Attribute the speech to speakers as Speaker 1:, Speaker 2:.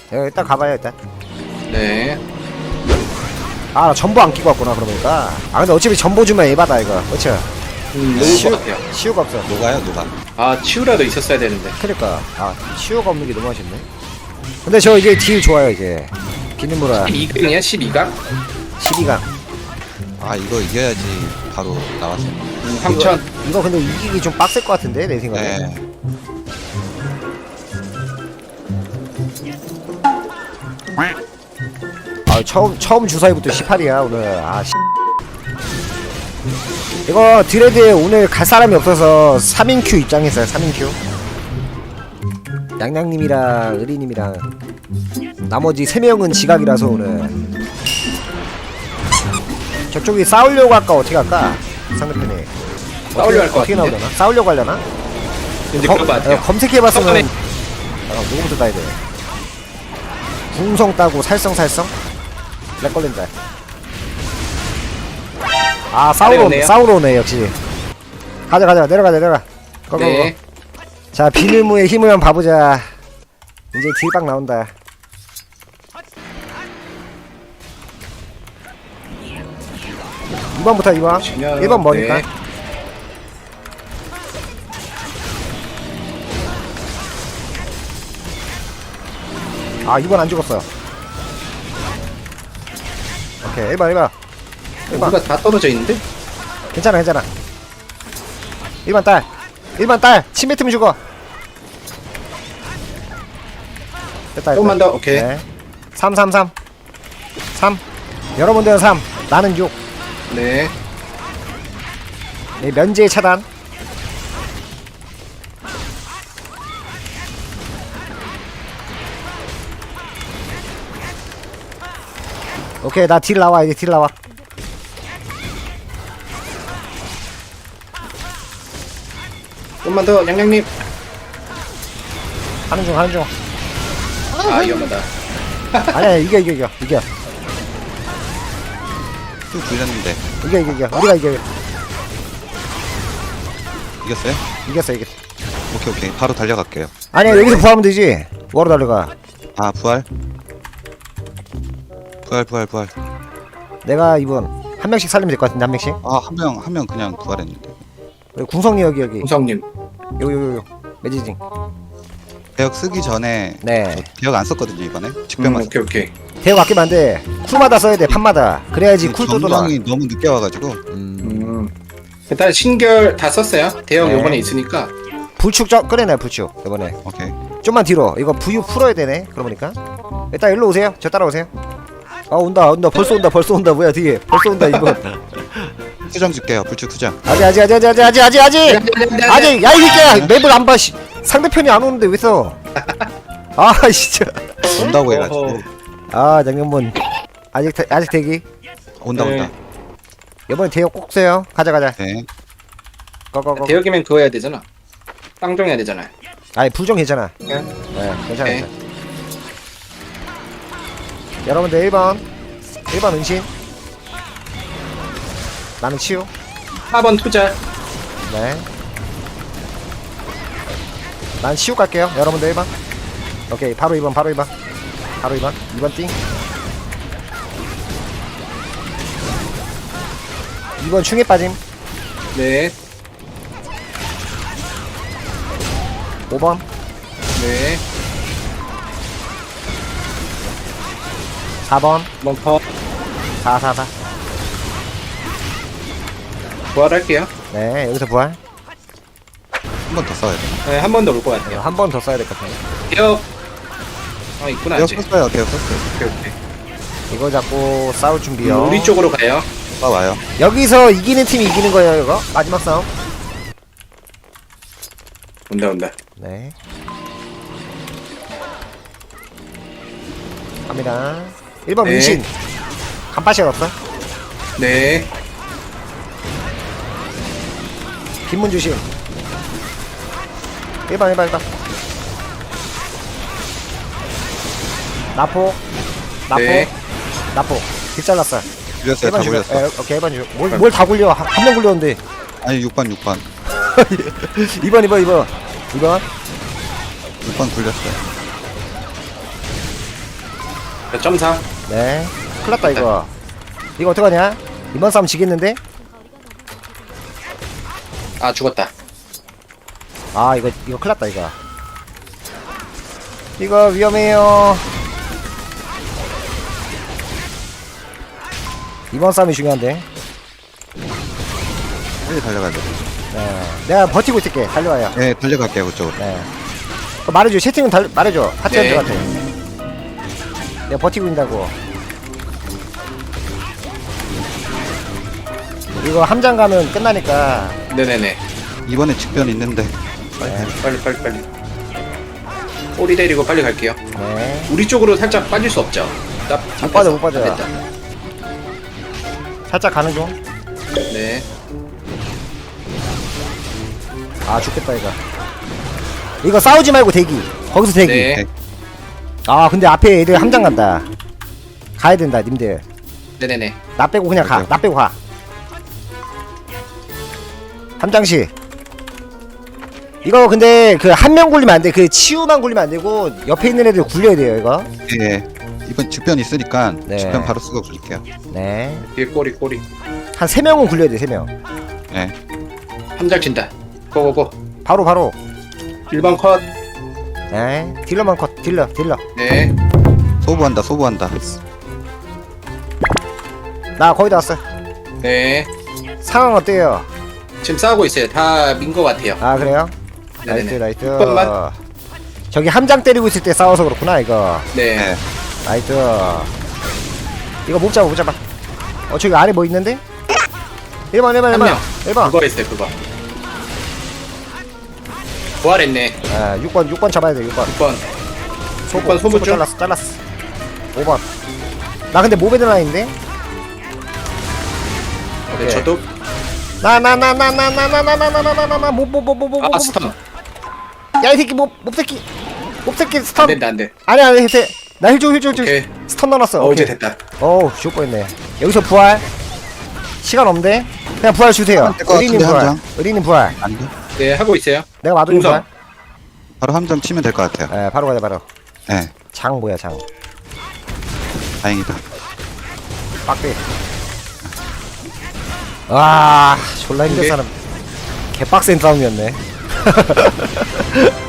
Speaker 1: 일단 가봐요 일단.
Speaker 2: 네.
Speaker 1: 아, 나 전보 안 끼고 왔구나 그러니까. 아 근데 어차피 전보 주면 에바다 이거. 그쵸?
Speaker 2: 녹을 것 같아요.
Speaker 1: 치유가 없어.
Speaker 3: 녹아요 녹아.
Speaker 2: 아, 치우라도 있었어야 되는데.
Speaker 1: 그러니까 아 치유가 없는 게 너무 아쉽네. 근데 저 이제 딜 좋아요 이제. 비는무라
Speaker 2: 12강이야? 12강?
Speaker 1: 12강.
Speaker 3: 아 이거 이겨야지 바로 나왔어요.
Speaker 2: 3000.
Speaker 1: 이거 근데 이기기 좀 빡셀 것 같은데 내 생각에.
Speaker 3: 네.
Speaker 1: 아 처음 주사위부터 18이야 오늘. 아 씨. 이거 드레드에 오늘 갈 사람이 없어서 3인 큐 입장했어요. 3인 큐. 양양님이랑 의리님이랑 나머지 3명은 지각이라서 오늘. 저쪽이 싸우려고 할까 어떻게 할까? 상대편이
Speaker 2: 싸우려고 할것
Speaker 1: 어떻게
Speaker 2: 같은데?
Speaker 1: 나오려나? 싸우려고 하려나?
Speaker 2: 근데 그런 것 같아요.
Speaker 1: 검색해봤으면
Speaker 2: 처음에
Speaker 1: 누구부터 따야 돼? 궁성 따고 살성 렉 걸린다. 아
Speaker 2: 오네요.
Speaker 1: 싸우러 오네 역시. 가자 내려가. 고고고.
Speaker 2: 네.
Speaker 1: 자 비늘무의 힘을 한번 봐보자. 이제 딜박 나온다. 이번부터 2번. 1번 뭐니까?
Speaker 2: 네.
Speaker 1: 아 2번 안 죽었어. 오케이 1번
Speaker 2: 누가 다 떨어져 있는데?
Speaker 1: 괜찮아 1번 딸 1번 딸 침 뱉으면 죽어. 됐다
Speaker 2: 조금만 더, 오케이.
Speaker 1: 네. 3 여러분들은 3 나는 6.
Speaker 2: 네.
Speaker 1: 네, 면제 차단. 오케이 나 딜 나와 이제 딜 나와.
Speaker 2: 좀만 더, 양양님.
Speaker 1: 하는 중
Speaker 2: 아, 위험하다.
Speaker 1: 아니야 이겨
Speaker 3: 쭉 굴렸는데
Speaker 1: 우리가 이겨.
Speaker 3: 이겼어요?
Speaker 1: 이겼어
Speaker 3: 오케이 바로 달려갈게요.
Speaker 1: 아니야 여기서 부활하면 되지. 뭐하러 달려가.
Speaker 3: 아 부활.
Speaker 1: 내가 이번 한 명씩 살리면 될 것 같은데 한 명씩.
Speaker 3: 아 한 명 그냥 부활했는데.
Speaker 1: 궁성이 여기
Speaker 2: 공성님.
Speaker 1: 요 매지징.
Speaker 3: 대역 쓰기 전에
Speaker 1: 네.
Speaker 3: 저 대역 안 썼거든요 이번에. 직병만 썼.
Speaker 2: 오케이.
Speaker 1: 대역 아끼면 안돼. 쿨마다 써야 돼 판마다. 그래야지 쿨도 돌아.
Speaker 3: 정령이 너무 늦게 와가지고.
Speaker 2: 일단 신결 다 썼어요. 대형
Speaker 1: 네.
Speaker 2: 요번에 있으니까.
Speaker 1: 불축 꺼내놔 불축 이번에.
Speaker 3: 오케이.
Speaker 1: 좀만 뒤로. 이거 부유 풀어야 되네. 그러니까 일단 일로 오세요. 저 따라오세요. 아 온다 벌써 온다 뭐야 뒤에 벌써 온다 이거.
Speaker 3: 수정 줄게요. 불축 수정.
Speaker 1: 아직 야이 새끼야 맵을 안 봐. 씨. 상대편이 안 오는데 왜 써? 아 진짜.
Speaker 3: 온다고 해가지고.
Speaker 1: 아 장면분 아직 대기.
Speaker 3: 온다.
Speaker 1: 이번에 대역 꼭 써요. 가자.
Speaker 3: 네.
Speaker 1: 고고고.
Speaker 2: 대역이면 그거 해야 되잖아. 쌍종 해야 되잖아.
Speaker 1: 아니 불정 괜찮아.
Speaker 2: 네.
Speaker 1: 네 괜찮아.
Speaker 2: 오케이.
Speaker 1: 여러분들 1번 은신. 나는 치유.
Speaker 2: 4번 투자.
Speaker 1: 네. 난 치유 갈게요. 여러분들 1번. 오케이 바로 2번 2번 띵. 2번 충에 빠짐.
Speaker 2: 네.
Speaker 1: 5번
Speaker 2: 네.
Speaker 1: 4번
Speaker 2: 1번 퍼.
Speaker 1: 4
Speaker 2: 부활할게요.
Speaker 1: 네 여기서 부활.
Speaker 3: 한 번 더 써야 돼.
Speaker 2: 네, 한 번 더 올 것 같아요.
Speaker 1: 한 번 더 써야 될 것 같아요.
Speaker 2: 대역. 있구나,
Speaker 3: 대역
Speaker 2: 아직.
Speaker 3: 썼어요. 대역 썼어요.
Speaker 2: 오케이.
Speaker 1: 이거 잡고 싸울 준비요.
Speaker 2: 우리 쪽으로 가요.
Speaker 3: 와요.
Speaker 1: 여기서 이기는 팀이 이기는 거예요 이거. 마지막 싸움.
Speaker 2: 온다.
Speaker 1: 네. 갑니다. 1번
Speaker 2: 네.
Speaker 1: 은신. 간파시 없어?
Speaker 2: 네.
Speaker 1: 빈문 주심. 1번. 나포.
Speaker 2: 네.
Speaker 1: 길 잘랐어.
Speaker 3: 굴렸어요. 다
Speaker 1: 1번
Speaker 3: 굴렸어.
Speaker 1: 오케이 1번 주고. 뭘 다 굴려. 한 명 굴렸는데.
Speaker 3: 아니 6번
Speaker 1: 2번
Speaker 3: 6번 굴렸어요.
Speaker 2: 몇 점 4.
Speaker 1: 네. 큰일 났다, 이거. 이거 어떡하냐? 이번 싸움 지겠는데?
Speaker 2: 아, 죽었다.
Speaker 1: 아, 이거 큰일 났다, 이거. 이거 위험해요. 이번 싸움이 중요한데.
Speaker 3: 빨리 달려가야 돼.
Speaker 1: 네. 내가 버티고 있을게. 달려와요.
Speaker 3: 네, 달려갈게요, 그쪽으로.
Speaker 1: 네. 말해줘. 채팅은 말해줘. 하트한테
Speaker 2: 네.
Speaker 1: 같아. 내가 버티고 있다고. 이거 함장 가면 끝나니까.
Speaker 2: 네네네.
Speaker 3: 이번에 직변 있는데.
Speaker 1: 네.
Speaker 2: 빨리. 꼬리 데리고 빨리 갈게요.
Speaker 1: 네.
Speaker 2: 우리 쪽으로 살짝 빠질 수 없죠?
Speaker 1: 못 빠져, 못 빠져.
Speaker 2: 됐다.
Speaker 1: 살짝 가는 중.
Speaker 2: 네.
Speaker 1: 아, 죽겠다, 이거. 이거 싸우지 말고 대기. 거기서 대기.
Speaker 2: 네.
Speaker 1: 아, 근데 앞에 애들 함장 간다. 가야 된다, 님들.
Speaker 2: 네네네.
Speaker 1: 나 빼고 그냥 가.
Speaker 3: 오케이.
Speaker 1: 나 빼고 가. 함장씨. 이거 근데 그 한 명 굴리면 안 돼. 그 치유만 굴리면 안 되고 옆에 있는 애들 굴려야 돼요, 이거.
Speaker 3: 예. 이번 직변 있으니까
Speaker 1: 네.
Speaker 3: 직변 바로 쓰고 굴릴게요.
Speaker 1: 네.
Speaker 2: 뒤에 꼬리.
Speaker 1: 한 3명은 굴려야 돼, 3명.
Speaker 3: 네.
Speaker 2: 함장 친다. 고고고.
Speaker 1: 바로.
Speaker 2: 1번 컷.
Speaker 1: 네. 딜러만 컷. 딜러.
Speaker 2: 네.
Speaker 3: 소부한다.
Speaker 1: 나 거의 다 왔어.
Speaker 2: 네.
Speaker 1: 상황 어때요?
Speaker 2: 지금 싸우고 있어요. 다 민 것 같아요.
Speaker 1: 아, 그래요?
Speaker 2: 네네네.
Speaker 1: 나이스.
Speaker 2: 6번만.
Speaker 1: 저기 함장 때리고 있을 때 싸워서 그렇구나, 이거.
Speaker 2: 네.
Speaker 3: 네.
Speaker 1: 나이스. 이거 못 잡아. 저기 아래 뭐 있는데? 1번.
Speaker 2: 한 명.
Speaker 1: 1번.
Speaker 2: 그거 있어요, 그거. 부활했네.
Speaker 1: 아, 6번 잡아야 돼, 6번.
Speaker 2: 6번. 6번 소부 중.
Speaker 1: 잘랐어. 5번. 나 근데 모베드 라인인데?
Speaker 2: 네,
Speaker 1: 오케이.
Speaker 2: 저도.
Speaker 1: 뭐.
Speaker 2: 아, 스턴.
Speaker 1: 야, 이 새끼, 몹새끼
Speaker 2: 안
Speaker 1: 스턴.
Speaker 2: 된다, 안 돼.
Speaker 1: 아니, 해세. 나 힐 줘.
Speaker 2: 오케이.
Speaker 1: 스턴 넣어놨어.
Speaker 2: 이제
Speaker 1: 오케이.
Speaker 2: 됐다.
Speaker 1: 어우, 죽을 뻔했네. 여기서 부활. 시간 없네. 그냥 부활 주세요.
Speaker 3: 될것
Speaker 1: 의리님
Speaker 3: 같은데,
Speaker 1: 부활.
Speaker 3: 함장?
Speaker 1: 의리님 부활.
Speaker 3: 안 돼?
Speaker 2: 네, 하고 있어요.
Speaker 1: 내가 마도님
Speaker 2: 동선.
Speaker 1: 부활.
Speaker 3: 바로 함정 치면 될 것 같아요.
Speaker 1: 예, 바로 가자, 바로.
Speaker 3: 네.
Speaker 1: 장 뭐야, 장.
Speaker 3: 다행이다.
Speaker 1: 빡대. 와, 졸라 힘든
Speaker 2: 오케이.
Speaker 1: 사람. 개빡센 싸움이었네.